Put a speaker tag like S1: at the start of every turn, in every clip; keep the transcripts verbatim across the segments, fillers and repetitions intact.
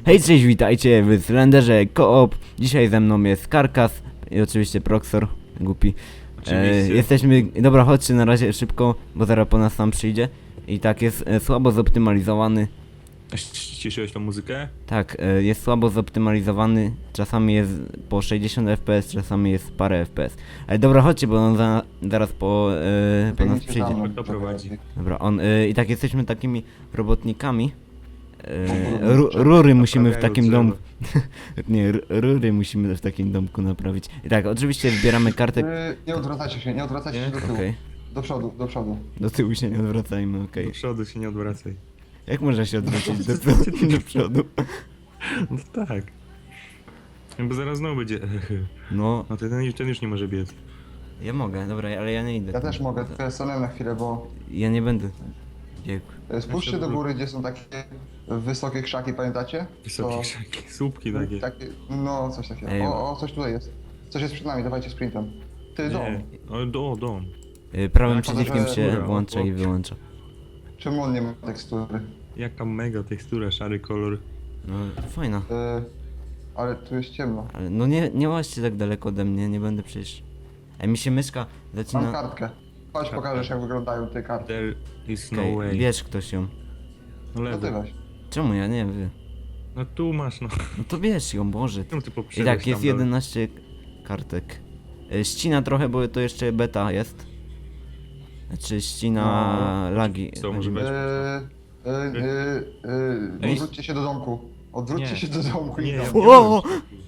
S1: Hej, cześć, witajcie w Slenderze Coop. Dzisiaj ze mną jest Karkas i oczywiście Proxor, głupi. E, jesteśmy, dobra, chodźcie na razie szybko, bo zaraz po nas sam przyjdzie. I tak, jest e, słabo zoptymalizowany.
S2: Ściszyłeś tą muzykę?
S1: Tak, e, jest słabo zoptymalizowany. Czasami jest po sześćdziesiąt F P S, czasami jest parę F P S. Ale dobra, chodźcie, bo on za, zaraz po, e, po nas przyjdzie.
S2: Kto prowadzi?
S1: Dobra, on, e, i tak jesteśmy takimi robotnikami. E, ru, rury musimy w takim domku. Nie, r- rury musimy w takim domku naprawić. I tak, oczywiście zbieramy kartę.
S3: Yy, nie odwracajcie się, nie odwracajcie
S1: Nie?
S3: się do tyłu.
S1: Okej.
S3: Do przodu, do przodu.
S1: Do tyłu się nie odwracajmy, okej.
S2: Do przodu się nie odwracaj.
S1: Jak można się odwrócić do, do, do przodu?
S2: No tak. Bo zaraz znowu będzie.
S1: No,
S2: No ten, ten już nie może biec.
S1: ja mogę, dobra, ale ja nie idę.
S3: Ja też mogę, tylko ja stanę na chwilę, bo
S1: Ja nie będę. Dziękuję.
S3: e, spójrzcie do góry, gdzie są takie wysokie krzaki, pamiętacie?
S2: Wysokie
S3: To-
S2: krzaki, słupki takie.
S3: takie. No, coś takiego.
S1: Ej,
S3: O, o, coś tutaj jest. Coś jest przed nami, dawajcie sprintem. Ty, dom.
S2: Nie. O, do, dom.
S1: Y, Prawym
S2: Tak,
S1: przyciskiem
S3: że-
S1: się
S2: Dobra,
S1: włącza
S2: o-
S1: i wyłącza.
S3: Czemu on nie ma tekstury?
S2: Jaka mega tekstura, szary kolor.
S1: No, fajna.
S3: Yy, ale tu jest ciemno.
S1: Ale no nie, nie łaźcie tak daleko ode mnie, nie będę przecież... Ej, mi się myszka
S3: Mam
S1: zaczyna...
S3: kartkę. Chodź, pokażesz jak wyglądają te karty.
S2: There is no
S1: Okej,
S2: way.
S1: bierz ktoś ją.
S2: No
S3: No ty
S2: lewy.
S3: weź.
S1: Czemu ja nie wiem?
S2: No tu masz, no.
S1: No to bierz ją, Boże.
S2: Czemu ty
S1: I
S2: poprzedłeś
S1: tak, jest
S2: tam dalej?
S1: jedenaście kartek. Y, Ścina trochę, bo to jeszcze beta jest. Znaczy ścina
S3: No.
S1: lagi.
S2: Co, może
S3: Yy,
S2: być?
S3: yy, yy, yy,
S2: Ej.
S3: odwróćcie się do domku. Odwróćcie
S2: Nie.
S3: się do domku i
S2: Nie,
S3: do
S2: ja
S3: domku.
S1: O!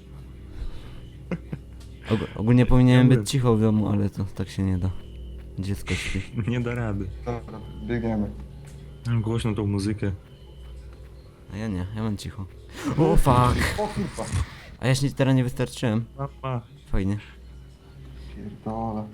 S1: Og ogólnie powinienem
S2: Ja
S1: być cicho w domu, ale to tak się nie da. Dziecko śpi.
S2: Nie da rady.
S3: Dobra, biegniemy.
S2: Mam głośno tą muzykę.
S1: A ja nie, ja mam cicho. O fuck!
S3: O kurwa.
S1: A ja się teraz nie wystarczyłem.
S2: Mama.
S1: Fajnie.
S3: Pierdolę.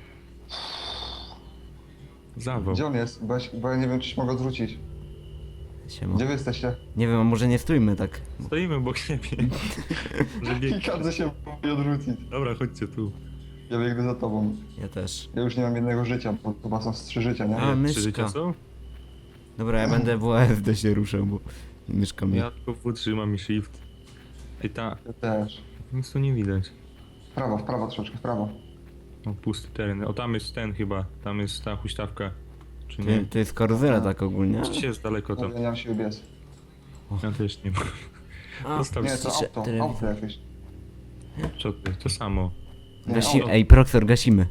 S2: Zawał.
S3: Gdzie on jest? Bo ja, się- bo ja nie wiem, czy się mogę odwrócić.
S1: Siema.
S3: Gdzie wy jesteście?
S1: Nie wiem, a może nie stójmy tak.
S2: Stoimy obok siebie. Że
S3: I
S2: bieg...
S3: każdy się mówi odwrócić.
S2: Dobra, chodźcie tu.
S3: Ja biegnę za tobą.
S1: Ja też.
S3: Ja już nie mam jednego życia, bo chyba są z trzy życia, nie?
S1: A,
S2: Trzy
S1: myszka.
S2: życia są?
S1: Dobra, ja będę w A S D się ruszał, bo myszka mnie.
S2: Ja tylko wytrzymam i shift. Ej ta,
S3: Ja też.
S2: nic tu nie widać.
S3: W prawo, w prawo troszeczkę, w prawo.
S2: O, pusty teren. O, tam jest ten chyba. Tam jest ta huśtawka. Czy
S1: To,
S2: nie?
S1: to jest karuzela tak ogólnie.
S2: Czy jest daleko
S3: Ja
S2: tam?
S3: nie mam siły biec.
S2: Ja też nie mam.
S1: A,
S2: Zostaw
S3: Nie, to
S1: Ciszę,
S3: auto,
S1: telewizor.
S3: auto jakieś.
S2: Co ty? To samo.
S3: Nie,
S1: Gasi...
S3: auto.
S1: Ej, Proxor, gasimy.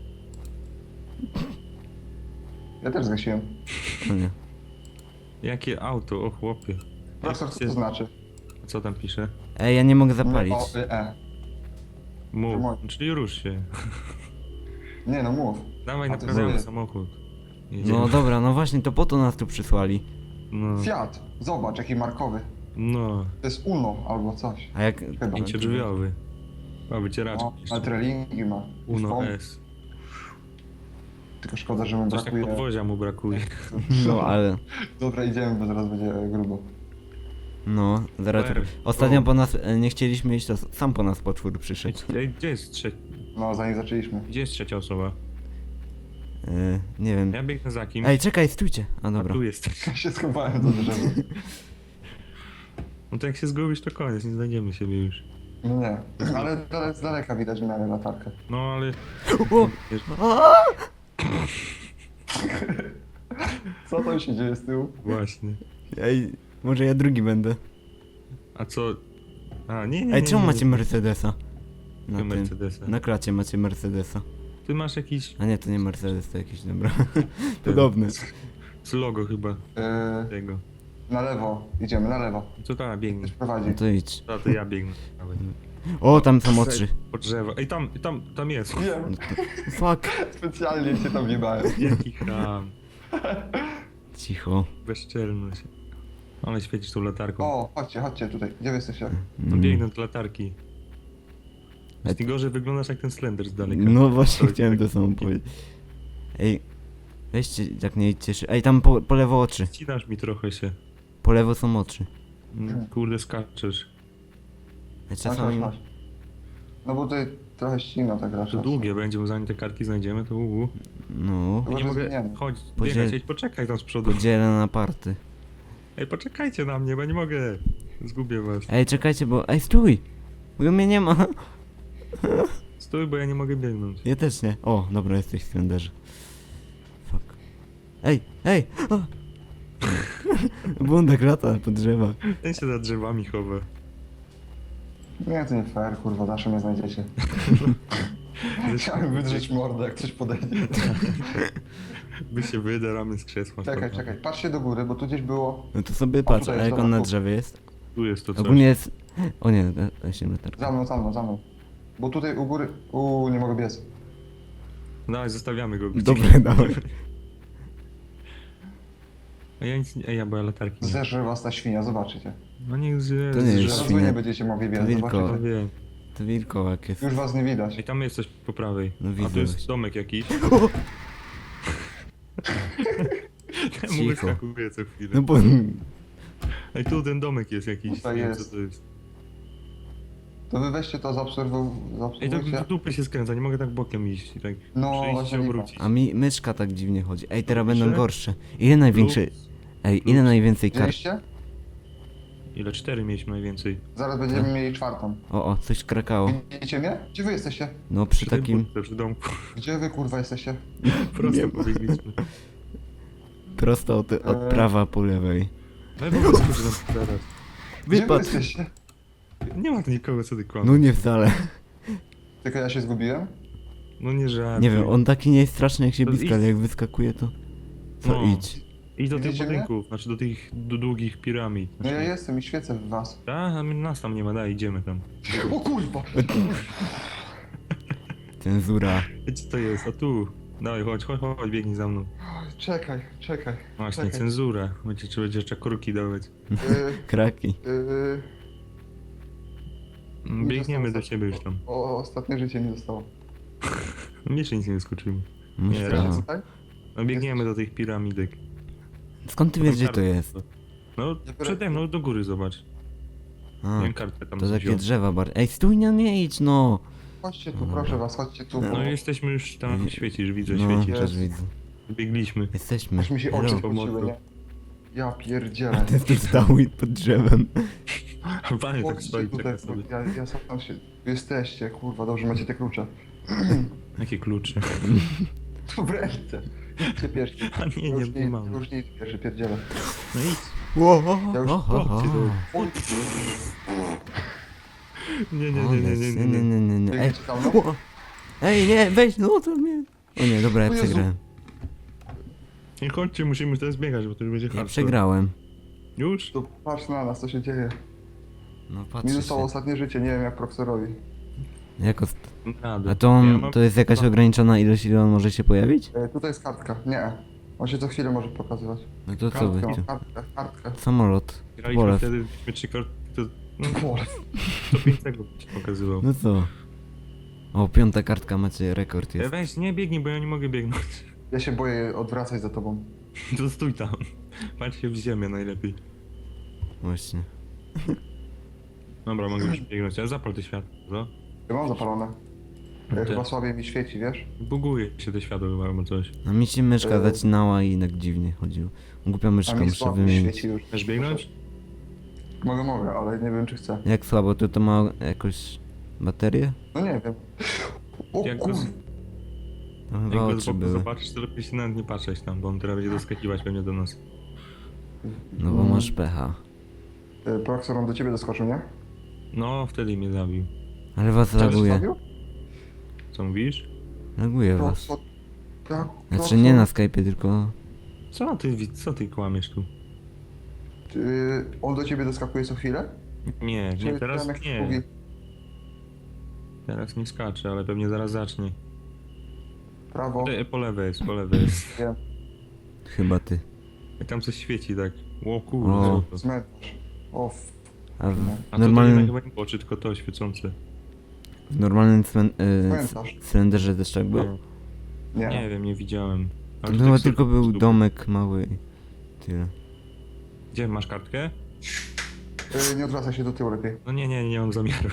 S3: Ja też zgasiłem.
S1: No nie.
S2: Jakie auto? O chłopie.
S3: Profesor, co to
S2: Jest-
S3: znaczy?
S2: Co tam pisze?
S1: Ej, ja nie mogę zapalić.
S3: O, y, e.
S2: Mów.
S3: Moje.
S2: Czyli rusz się.
S3: Nie no, mów.
S2: Dawaj,
S3: A ty
S2: naprawiamy
S3: zobacz.
S2: samochód. Jedziemy.
S1: No dobra, no właśnie, to po to nas tu przysłali.
S2: No.
S3: Fiat, zobacz jaki markowy.
S2: No.
S3: To jest Uno albo coś.
S1: A jak...
S3: Chyba.
S2: Pięciodrzwiowy. Ma wycieraczkę.
S3: No, ale trelingi ma.
S2: Uno
S3: Stąd.
S2: S.
S3: Tylko szkoda, że mu
S2: Coś tak
S3: brakuje.
S2: podwozia mu brakuje.
S1: No, ale...
S3: Dobra, idziemy, bo zaraz będzie grubo.
S1: No, zaraz...
S2: Super.
S1: Ostatnio
S2: O.
S1: po nas e, nie chcieliśmy iść, to sam po nas potwór przyszedł.
S2: Ej, gdzie jest trzecia?
S3: No, zanim zaczęliśmy.
S2: Gdzie jest trzecia osoba?
S1: E, nie wiem.
S2: Ja biegnę za kimś.
S1: Ej, czekaj, stójcie. A
S2: A
S1: dobra.
S2: tu jest.
S3: Ja się schowałem za drzewo.
S2: No to jak się zgubisz, to koniec, nie znajdziemy siebie już.
S3: No nie, ale dale- z daleka widać, że miałem latarkę.
S2: No ale...
S1: O!
S2: Wiesz,
S3: Co tam się dzieje z tyłu?
S2: właśnie.
S1: Ej, może ja drugi będę.
S2: A co... A, nie, nie,
S1: Ej,
S2: nie,
S1: czemu
S2: nie,
S1: macie
S2: nie.
S1: Mercedesa? Na
S2: Ty
S1: tym.
S2: Mercedesa.
S1: Na klacie macie Mercedesa.
S2: Ty masz jakiś...
S1: A nie, to nie Mercedes, to jakiś, dobra. Podobny.
S2: Z logo chyba
S3: Yy,
S2: tego.
S3: na lewo, idziemy, na lewo.
S2: Co tam, biegnę.
S3: Ktoś prowadzi.
S1: No to idź.
S2: A to ja biegnę. Dawaj.
S1: O, tam są oczy.
S2: Po drzewo. Ej, tam, tam, tam jest.
S3: Wiem,
S1: Fuck.
S3: specjalnie cię tam wjebałem.
S2: Jaki ham.
S1: Cicho.
S2: Bezczelność. Ale świecisz tą latarką.
S3: O, chodźcie, chodźcie tutaj. Gdzie wy jesteście?
S2: No biegnę do latarki. Ty gorzej wyglądasz jak ten Slender z daleka.
S1: No właśnie
S2: To-
S1: chciałem to samo powiedzieć. Ej, weźcie, jak nie idźcie szy- Ej, tam po, po lewo oczy.
S2: Ścinasz mi trochę się.
S1: Po lewo są oczy.
S2: Mm, Kurde, skaczesz.
S1: Ej,
S3: Chodź,
S1: czasami...
S3: chodź, chodź. No bo tutaj trochę ścina tak
S2: To
S3: raczej.
S2: długie będzie, bo zanim te kartki znajdziemy, to uuu.
S1: No,
S3: Chyba,
S2: Nie
S3: że
S2: mogę.
S3: zmieniamy.
S2: Chodź,
S1: Podziel-
S2: biegać, ej, poczekaj tam z przodu.
S1: podzielę na party.
S2: Ej, poczekajcie na mnie, bo nie mogę. Zgubię was.
S1: Ej, czekajcie, bo... Ej, stój! Bo mnie nie ma.
S2: Stój, bo ja nie mogę biegnąć.
S1: Ja też nie. O, dobra, jesteś w Slenderze. Fuck. Ej, ej! O! Bundek lata po drzewach.
S2: Ten się za drzewami chowa.
S3: Nie, to nie fair, kurwa, zawsze mnie znajdziecie. Chciałem wydrzeć mordę, jak coś podejdzie.
S2: My się wydaramy z krzesła.
S3: Czekaj,
S2: kurwa.
S3: czekaj, patrzcie do góry, bo tu gdzieś było...
S1: No to sobie patrz,
S3: tutaj
S1: a
S3: jest
S1: jak on na
S3: dobra,
S1: drzewie jest?
S2: Tu jest to coś.
S1: Ogólnie jest... O nie, właśnie latarka.
S3: Za mną, za mną, za mną. Bo tutaj u góry... Uuu, nie mogę biec.
S2: Dawaj, zostawiamy go.
S1: Dobre, dawaj.
S2: A ja nic nie... Ej, ja bo ja latarki nie.
S3: Zerze was ta świnia, zobaczycie.
S2: No niech zje.
S1: To nie jest
S2: zje-
S3: Zaraz wy
S1: świnia.
S3: nie będziecie mogli biec,
S1: To wilko.
S2: Ja
S3: zobaczycie.
S2: wiem.
S1: To wilkołak jest.
S3: Już was nie widać.
S2: Ej, tam jest coś po prawej.
S1: No
S2: A
S1: widzę
S2: tu jest
S1: właśnie.
S2: domek jakiś. Temu
S1: Cicho.
S2: wyskakuje co chwilę.
S1: No bo...
S2: Ej, tu ten domek jest jakiś.
S3: Tutaj
S2: nie wiem,
S3: jest.
S2: co to jest.
S3: To wy weźcie to, zaobserwu-
S2: Ej, tak
S3: zaobserwujcie.
S2: w dupy się skręca, nie mogę tak bokiem iść i tak
S3: No,
S2: przejść i
S3: właśnie
S2: się
S3: nie
S2: obrócić.
S1: A mi myszka tak dziwnie chodzi. Ej, teraz
S2: Dobrze.
S1: będą gorsze. Ile największy...
S2: Plus.
S1: Ej, ile
S2: Plus.
S1: najwięcej kart...
S3: Widzieliście?
S2: Ile? Cztery mieliśmy najwięcej.
S3: Zaraz będziemy mieli czwartą.
S1: O, o, coś krakało.
S3: Widzicie mnie? Gdzie wy jesteście?
S1: No przy
S2: Przy tej
S1: takim...
S2: budce, przy domku.
S3: Gdzie wy kurwa jesteście?
S2: Prosto pobiegliśmy.
S1: Prosto od, od
S3: Eee.
S1: prawa po lewej.
S2: Ale po prostu że nam teraz.
S3: Gdzie wy
S1: Wypadł.
S3: jesteście?
S2: Nie ma tu nikogo, co ty kłamiesz.
S1: No nie wcale.
S3: Tylko ja się zgubiłem?
S2: No nie żartuj.
S1: Nie wiem, on taki nie jest straszny jak się
S2: To
S1: bliska, ale
S2: idź.
S1: jak wyskakuje to... Co
S2: No.
S1: idź?
S2: Idź do tych
S3: Widzicie mnie?
S2: budynków, znaczy do tych d- długich piramid.
S3: No ja
S2: Znaczy,
S3: jestem i świecę w was.
S2: tak? A my- nas tam nie ma, daj, idziemy tam.
S3: O kurwa!
S1: Cenzura.
S2: Ej, co to jest? A tu. Dawaj, chodź, chodź, chodź, biegnij za mną.
S3: Czekaj, czekaj.
S2: Właśnie,
S3: Czekaj.
S2: cenzura. Będzie, trzeba będzie jeszcze kurki dawać.
S3: Yy,
S1: Kraki.
S3: yy,
S2: Mm,
S3: Nie
S2: Biegniemy do
S3: zostało
S2: ciebie już tam.
S3: o, ostatnie życie nie zostało.
S2: No mnie jeszcze nic nie wyskoczyło.
S1: Myślę.
S2: Nie,
S3: Wiecie
S2: raz.
S3: tutaj?
S2: No biegniemy do tych piramidek.
S1: Skąd ty wiesz, gdzie to
S2: Kartę.
S1: jest?
S2: No przede mną, do góry zobacz.
S1: A,
S2: Miałem kartę tam
S1: to takie
S2: wziął.
S1: drzewa bardziej. Ej, stój, nie, nie idź, no!
S3: Chodźcie tu,
S1: No
S3: proszę
S1: dobra.
S3: was, chodźcie tu,
S1: No
S3: bo
S2: No jesteśmy już tam, świecisz, widzę,
S1: No,
S2: świecisz.
S1: też widzę.
S2: Biegliśmy.
S1: Jesteśmy.
S3: aż mi się
S1: Hello.
S3: oczy
S2: Hello.
S3: spociły, nie? Ja pierdzielę.
S1: Ty jesteś stały pod drzewem.
S2: Panie tak
S3: Chodźcie
S2: stoi,
S3: tutaj,
S2: czeka sobie.
S3: ja, ja sam się... Wy jesteście, kurwa, dobrze macie te klucze.
S2: Jakie klucze?
S3: Tu w ręce. Idźcie pierwszy.
S2: A nie,
S3: Już
S2: nie, nie mam.
S3: Już nie idź pierwszy, pierdzielę.
S2: No idź.
S1: Ło, o,
S3: Ja już
S1: o, o, o.
S2: chłopcy, Nie, nie,
S1: O,
S2: nie, nie, nie,
S1: nie,
S2: nie,
S1: nie, nie, nie. Ej,
S3: Biegniecie tam, no?
S1: ło. Ej, nie, weź, no to mnie. O nie, dobra, ja
S3: O Jezu.
S1: przegrałem.
S2: Nie chodźcie, musimy teraz biegać, bo to już będzie
S1: Ja
S2: hardcore.
S1: przegrałem.
S2: Już?
S3: To patrz na nas, co się dzieje.
S1: No
S3: Mi
S1: patrzę
S3: zostało
S1: się.
S3: ostatnie życie, nie wiem jak Proxorowi.
S1: Jako...
S2: Radę.
S1: A to, on,
S2: Ja mam-
S1: to jest jakaś ograniczona ilość, ile on może się pojawić?
S3: E, tutaj jest kartka. Nie. On się co chwilę może pokazywać.
S1: No to co wy?
S3: Kartkę,
S1: tu?
S3: kartkę, kartkę.
S1: Samolot.
S2: Graliśmy
S1: Polew.
S2: wtedy, mieliśmy trzy karty, to no,
S3: Pole.
S2: to pięć sekund ci pokazywał.
S1: No co? O, piąta kartka, macie rekord
S2: E,
S1: jest.
S2: Weź, nie biegnij, bo ja nie mogę biegnąć.
S3: Ja się boję odwracać za tobą.
S2: To stój tam. Patrz się w ziemię najlepiej.
S1: Właśnie.
S2: Dobra, mogę już biegnąć, ale zapal te światło, co?
S3: Ja mam zapalone.
S2: No
S3: E, chyba
S2: te-
S3: słabiej mi świeci, wiesz?
S2: Buguje się te światło chyba albo coś.
S1: A mi się myszka
S3: E.
S1: zacinała i tak dziwnie chodziło. Głupia
S3: A
S1: myszka,
S3: mi
S1: muszę
S3: słabiej
S1: wymienić.
S3: świeci już.
S2: Chcesz biegnąć?
S3: Mogę, mogę, ale nie wiem czy chcę.
S1: Jak słabo, to to ma jakąś baterię?
S3: No nie wiem. O
S2: Jak go,
S3: kur...
S2: z-
S1: No
S2: jak
S1: chyba
S2: go z
S1: oczy
S2: boku
S1: były.
S2: zobaczysz, to lepiej się nawet nie patrzeć tam, bo on teraz będzie doskakiwać pewnie do nas.
S1: No bo masz pecha.
S3: E, Proxor, on do ciebie doskoczył, nie?
S2: No, wtedy mnie zabił.
S1: Ale was
S3: Ciebie
S1: laguje.
S3: zostawił?
S2: Co mówisz?
S1: Laguje was.
S3: Proxor... Tak,
S1: Znaczy nie na Skype'ie, tylko...
S2: Co ty, wi- co ty kłamiesz tu?
S3: Czy on do ciebie doskakuje co chwilę?
S2: Nie,
S3: Czy
S2: nie, teraz
S3: tam jak
S2: nie.
S3: mówi,
S2: Teraz nie skacze, ale pewnie zaraz zacznie.
S3: prawo,
S2: E, po lewej jest, po lewej jest.
S3: wiem,
S1: Chyba ty.
S2: I tam coś świeci tak. O kurde.
S1: O.
S2: co to?
S3: cmentarz. O, f...
S1: A w
S2: A to
S1: normalnym,
S2: chyba nie oczy, tylko to świecące.
S1: w normalnym cmen, y,
S3: Cmentarz.
S1: cylinderze też tak było?
S3: Nie.
S2: Nie wiem, nie widziałem.
S1: To
S2: Ale
S1: chyba
S2: tak
S1: tylko
S2: sobie
S1: był
S2: stóp.
S1: domek mały i tyle.
S2: Gdzie, masz kartkę?
S3: E, nie odwracaj się do tyłu lepiej.
S2: No nie, nie, nie mam zamiaru.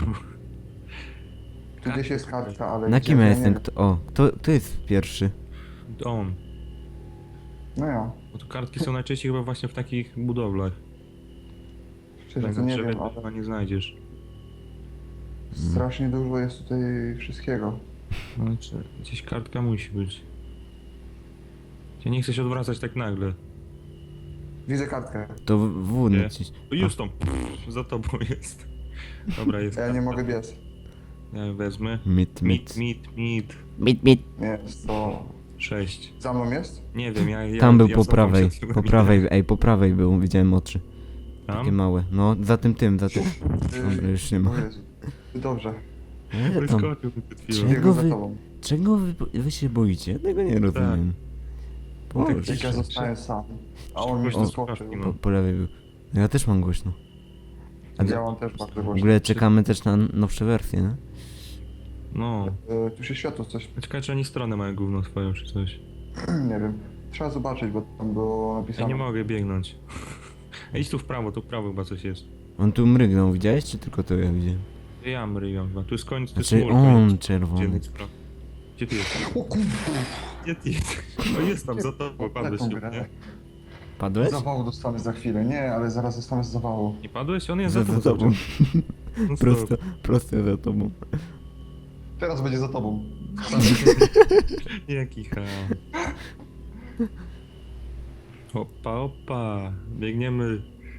S3: Tu gdzieś jest kartka, ale...
S1: Na
S3: gdzie,
S1: kim
S3: to
S1: ja
S3: nie
S1: jestem?
S3: wiem.
S1: Kto, o, kto, kto jest pierwszy?
S2: On.
S3: No ja.
S2: Bo tu kartki są najczęściej chyba właśnie w takich budowlach.
S3: Szczerze,
S2: Tak
S3: to
S2: na
S3: nie
S2: drzewie
S3: wiem,
S2: to
S3: ale
S2: chyba nie znajdziesz.
S3: strasznie dużo jest tutaj wszystkiego.
S2: No, czy gdzieś kartka musi być. Ja nie chcę się odwracać tak nagle.
S3: Widzę kartkę.
S1: To w w
S2: Nie.
S1: naciś.
S2: O, już tam, pff, za tobą jest. Dobra, jest.
S3: Ja nie
S2: kartka.
S3: mogę biec.
S2: Ja ją wezmę.
S1: Mit,
S2: Mit,
S1: mit.
S2: mit, mit.
S1: Mit, mit.
S3: Jest to...
S2: Sześć.
S3: Za mną jest?
S2: Nie wiem, ja... ja
S1: Tam był
S2: ja
S1: po
S2: sam tam
S1: prawej,
S2: przed chwilą
S1: po
S2: minąłem.
S1: prawej, ej, po prawej był, widziałem oczy. Takie
S2: Tam?
S1: małe. No, za tym tym, za tym.
S3: Yy,
S1: Dobra, już nie ma.
S3: O Jezu. Dobrze.
S1: Ale tam,
S2: Wyskoczył mi przed chwilą.
S1: Czego
S3: Biegnę za
S1: wy-
S3: tobą.
S1: czego wy, wy się boicie? Ja tego nie rozumiem.
S2: No tak,
S1: Boże.
S3: Jak ja zostałem sam. A on mi
S2: Głośno
S3: wyskoczył.
S2: słuchawki
S1: Po,
S2: mam.
S1: po lewej był. No ja też mam głośno. A
S3: Ja mam też bardzo
S1: w
S3: głośno.
S1: ogóle czekamy też na nowsze wersje, nie?
S2: No.
S3: Yy, Tu się światło coś...
S2: Czekaj, czy oni stronę mają gówno swoją, czy coś.
S3: Nie wiem. Trzeba zobaczyć, bo tam było
S2: Ja
S3: napisane.
S2: nie mogę biegnąć. Ej, idź tu w prawo, tu w prawo chyba coś jest.
S1: On tu mrygnął, widziałeś, czy tylko to ja widziałem?
S2: To ja mryjam chyba. Tu jest koniec, tu jest
S1: Znaczy
S2: mur,
S1: on
S2: koniec.
S1: czerwony.
S2: Dziennik spraw. Gdzie ty jesteś?
S3: O kurde!
S2: Gdzie ty jesteś? O, jest tam, za tobą, padłeś
S3: Taką
S2: lub
S3: grę.
S2: nie?
S1: Padłeś?
S3: Zawału dostanę za chwilę. Nie, ale zaraz zostanę z zawału.
S2: Nie padłeś? On jest
S1: Za,
S2: za,
S1: za
S2: tobą.
S1: tobą.
S2: No
S1: Prosto, prosto za tobą.
S3: Teraz będzie za tobą.
S2: Jaki ham. Opa, opa. Biegniemy.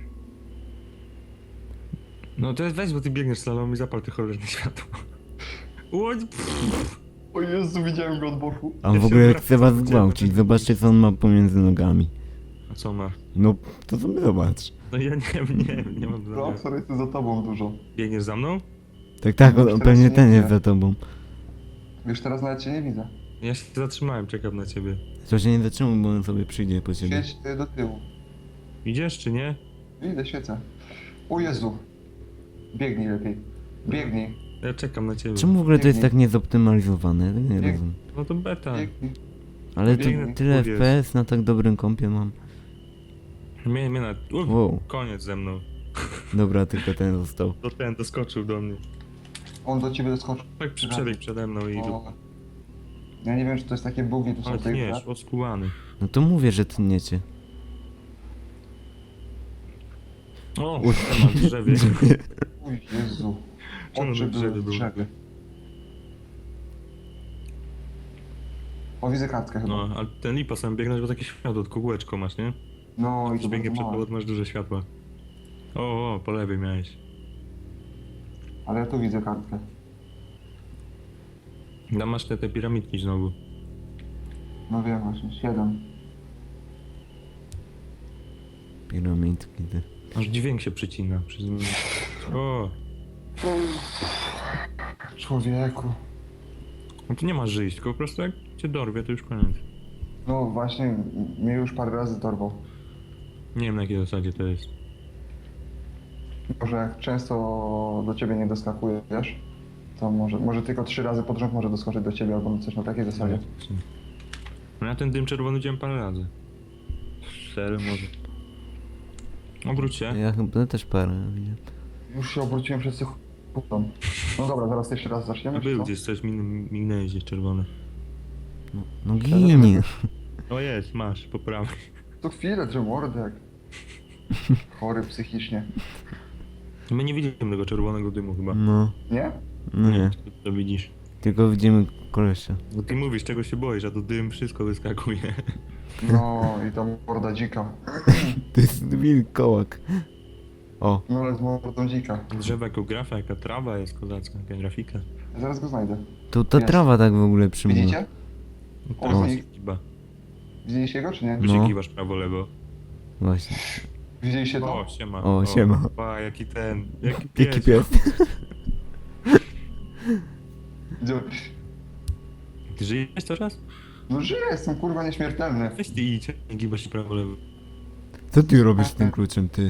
S2: No to jest weź, bo ty biegniesz slalom i zapal ty cholerne światło. Łodź.
S3: O Jezu, widziałem go od boku.
S1: A on
S2: Ja
S1: w
S2: się
S1: ogóle
S2: odwracam,
S1: chce was
S2: widziałem,
S1: zgwałcić.
S2: że-
S1: Zobaczcie, co on ma pomiędzy nogami.
S2: A co ma?
S1: No, to sobie zobacz.
S2: No ja nie, nie, nie mam zamiaru.
S3: Profesor jest tu za tobą dużo.
S2: Biegniesz za mną?
S1: Tak, tak, on,
S3: Już
S1: on
S3: teraz
S1: pewnie
S3: nie
S1: ten jest
S3: widzę.
S1: za tobą.
S3: Wiesz, teraz nawet cię nie widzę.
S2: Ja się zatrzymałem, czekam na ciebie.
S1: To się nie zatrzymuj, bo on sobie przyjdzie po ciebie.
S3: Świeć y, do tyłu.
S2: Idziesz czy nie?
S3: Idę, świecę. O Jezu. Biegnij lepiej. Biegnij.
S2: Ja czekam na ciebie.
S1: Czemu w ogóle to jest
S3: Biegnij.
S1: tak niezoptymalizowane? Ja tego nie
S3: Bieg-
S1: rozumiem.
S2: No to beta.
S3: Biegnij.
S1: Ale to
S3: biegnij,
S1: tyle
S2: powiedz.
S1: F P S na tak dobrym kompie mam.
S2: Mnie, mnie na... Uf,
S1: Wow.
S2: koniec ze mną.
S1: Dobra, tylko ten został.
S2: To ten doskoczył do mnie.
S3: On do ciebie doskoczył.
S2: Tak przy- przebiegł przede mną i...
S3: O. Ja nie wiem, czy to jest takie bugi tu są
S2: Ale
S3: w tej
S2: nie,
S3: grze.
S2: oskuwany.
S1: No to mówię, że tniecie.
S2: O, tam na drzewie.
S3: Uj, Jezu.
S2: Czemu
S3: Oczy
S2: na drzewie
S3: były w
S2: były?
S3: drzewie. O, widzę kartkę chyba.
S2: No, ale ten lipa sam biegnąć, bo takie światło, tylko kółeczko masz, nie?
S3: No, i to
S2: Biegnie
S3: bardzo
S2: przed
S3: małe.
S2: tobą, masz duże światła. O, o, po lewej miałeś.
S3: Ale ja tu widzę kartkę.
S2: Tam masz te, te piramidki znowu.
S3: No wiem właśnie, siedem.
S1: Piramidki, ty.
S2: Aż dźwięk się przycina. Przez... O,
S3: Człowieku.
S2: no tu nie masz żyć, tylko po prostu jak cię dorwie, to już koniec.
S3: No właśnie, m- mnie już parę razy dorwał.
S2: Nie wiem na jakiej zasadzie to jest.
S3: Może jak często do ciebie nie doskakuje, wiesz? To może, może tylko trzy razy pod rząd może doskoczyć do ciebie albo coś na takiej zasadzie.
S2: No ja ten dym czerwony widziałem parę razy. Cztery może. Obróć się.
S1: Ja chyba też parę widziałem.
S3: Już się obróciłem przed sekundą. No dobra, zaraz jeszcze raz zaczniemy,
S2: No
S3: czy
S2: był
S3: co?
S2: gdzieś coś, min- mignęłeś gdzieś czerwone.
S1: No, no ginie.
S2: O jest, masz, po prawej.
S3: To chwilę, czy mordek. Chory psychicznie.
S2: My nie widzimy tego czerwonego dymu chyba.
S1: No,
S3: Nie?
S1: no nie.
S2: Czy to widzisz?
S1: Tylko widzimy kolesia.
S2: Bo ty mówisz, czego się boisz, a to dym wszystko wyskakuje.
S3: No i ta morda dzika.
S1: To jest wilkołak. O,
S3: No ale z mordą dzika.
S2: Drzewa jako grafa, jaka trawa jest kozacka, jaka grafika.
S3: Zaraz go znajdę.
S1: tu ta
S3: Jest.
S1: trawa tak w ogóle przymula.
S3: Widzicie?
S2: No
S3: O,
S2: to
S3: no.
S2: się kiba.
S3: Widzieliście go, czy nie?
S2: Tu się
S1: No.
S2: kiwasz prawo, lewo.
S1: Właśnie.
S3: Widzieliście to?
S2: O, siema.
S1: O, siema.
S2: Pa, jaki ten, jaki pies.
S1: Jaki pies?
S3: Gdzie-
S2: Ty żyjesz teraz?
S3: No żyję, jestem kurwa nieśmiertelny.
S2: Weź ty idź, nie gibasz się prawo, lewo.
S1: Co ty robisz z tym kluczem, ty?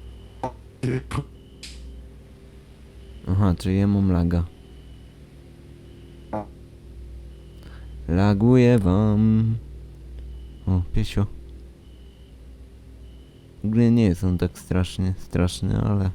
S1: Aha, czy ja mam laga. Laguje wam. O, piesio. W ogóle nie jest on tak strasznie straszny, ale...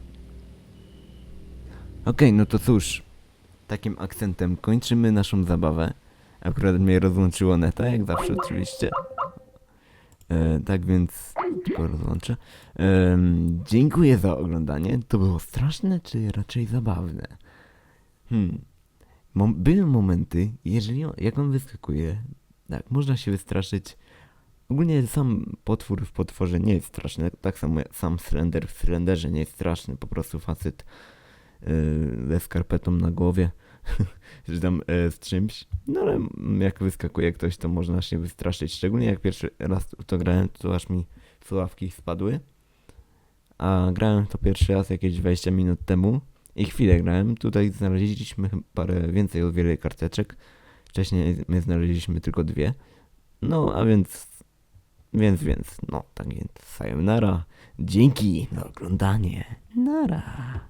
S1: Okej, no to cóż. Takim akcentem kończymy naszą zabawę. Akurat mnie rozłączyło neta, jak zawsze oczywiście. E, tak więc tylko rozłączę. Em, dziękuję za oglądanie. To było straszne, czy raczej zabawne? Hmm. Mom- były momenty, jeżeli on, jak on wyskakuje, tak, można się wystraszyć. Ogólnie sam potwór w potworze nie jest straszny, tak samo jak sam Slender w Slenderze nie jest straszny, po prostu facet yy, ze skarpetą na głowie, czy tam yy, z czymś. No ale mm, jak wyskakuje ktoś, to można się wystraszyć, szczególnie jak pierwszy raz w to grałem, to aż mi słuchawki spadły. A grałem to pierwszy raz jakieś dwadzieścia minut temu i chwilę grałem. Tutaj znaleźliśmy parę więcej o wiele karteczek. Wcześniej my znaleźliśmy tylko dwie. No, a więc, więc, więc, no, tak więc, sayonara. Dzięki za oglądanie. Nara.